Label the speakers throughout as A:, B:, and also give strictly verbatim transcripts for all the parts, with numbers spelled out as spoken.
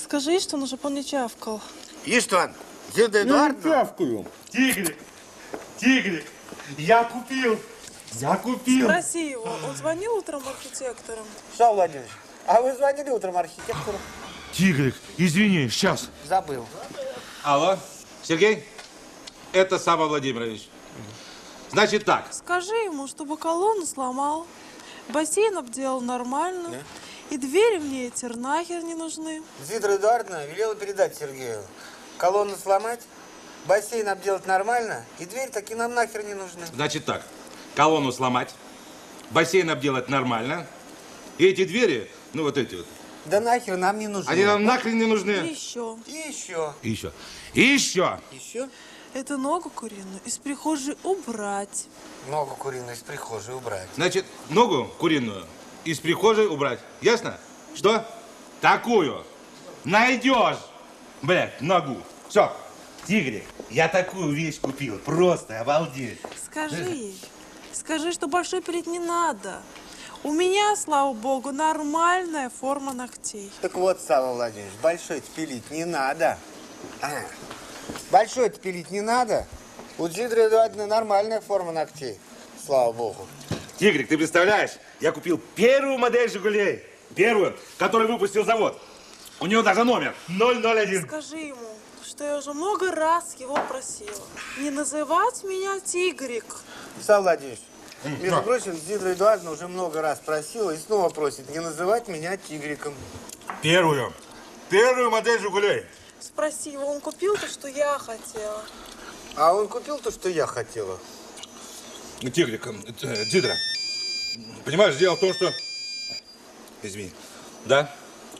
A: скажи, что он уже не чавкал.
B: Иштван, Зинаида Эдуардовна.
C: Я чавкаю.
D: Тигрик, Тигрик, я купил, я купил.
A: Спроси его, он звонил утром архитекторам?
B: Шал Владимирович, а вы звонили утром архитектору?
D: Тигрик, извини, сейчас.
B: Забыл.
E: Алло, Сергей? Это Сава Владимирович. Значит так.
A: Скажи ему, чтобы колонну сломал, бассейн обделал нормально, да? И двери мне эти нахер не нужны.
B: Зинаида Эдуардовна велела передать Сергею. Колонну сломать, бассейн обделать нормально, и дверь таки нам нахер не нужны.
E: Значит так. Колонну сломать, бассейн обделать нормально, и эти двери, ну вот эти вот.
B: Да нахер нам не нужны.
E: Они нам нахрен не нужны.
A: И еще.
B: И еще.
E: И еще. И еще.
B: Еще?
A: Эту ногу куриную из прихожей убрать.
B: Ногу куриную из прихожей убрать.
E: Значит, ногу куриную из прихожей убрать. Ясно? Что? Такую найдешь, блядь, ногу. Все. Тигрик, я такую вещь купил. Просто обалдеть.
A: Скажи ей. Скажи, что большой пилить не надо. У меня, слава богу, нормальная форма ногтей.
B: Так вот, Сава Владимирович, большой-то пилить не надо. А, большой-то пилить не надо. У Зинаиды Эдуардовны нормальная форма ногтей. Слава богу.
E: Тигрик, ты представляешь? Я купил первую модель «Жигулей». Первую, которую выпустил завод. У него даже номер ноль ноль один.
A: Скажи ему, что я уже много раз его просила не называть меня Тигрик.
B: Сава Владимирович, между прочим, Зинаида Эдуардовна уже много раз просила и снова просит не называть меня Тигриком.
E: Первую. Первую модель «Жигулей».
A: Спроси его, он купил то, что я хотела.
B: А он купил то, что я хотела.
E: Тигрик, э, Дидра, понимаешь, дело в том, что... Извини. Да?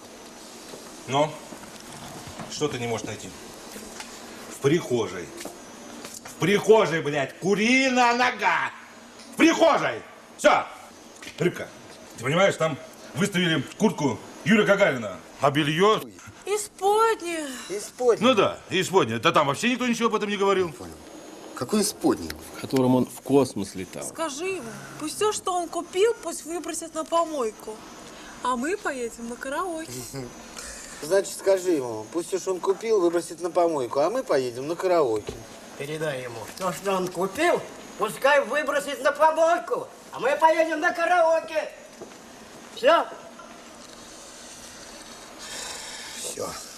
E: Но что ты не можешь найти? В прихожей. В прихожей, блядь, куриная нога! В прихожей! Все! Рыбка, ты понимаешь, там выставили куртку Юрия Гагарина, а белье...
A: Исподнее.
B: Исподнее.
E: Ну да, исподнее. Да там вообще никто ничего об этом не говорил.
C: Понял. Какой исподний?
F: В котором он в космос летал.
A: Скажи ему, пусть все, что он купил, пусть выбросит на помойку. А мы поедем на караоке.
B: Значит, скажи ему, пусть уж он купил, выбросит на помойку, а мы поедем на караоке.
G: Передай ему, то, что он купил, пускай выбросит на помойку, а мы поедем на караоке. Все?
B: Все.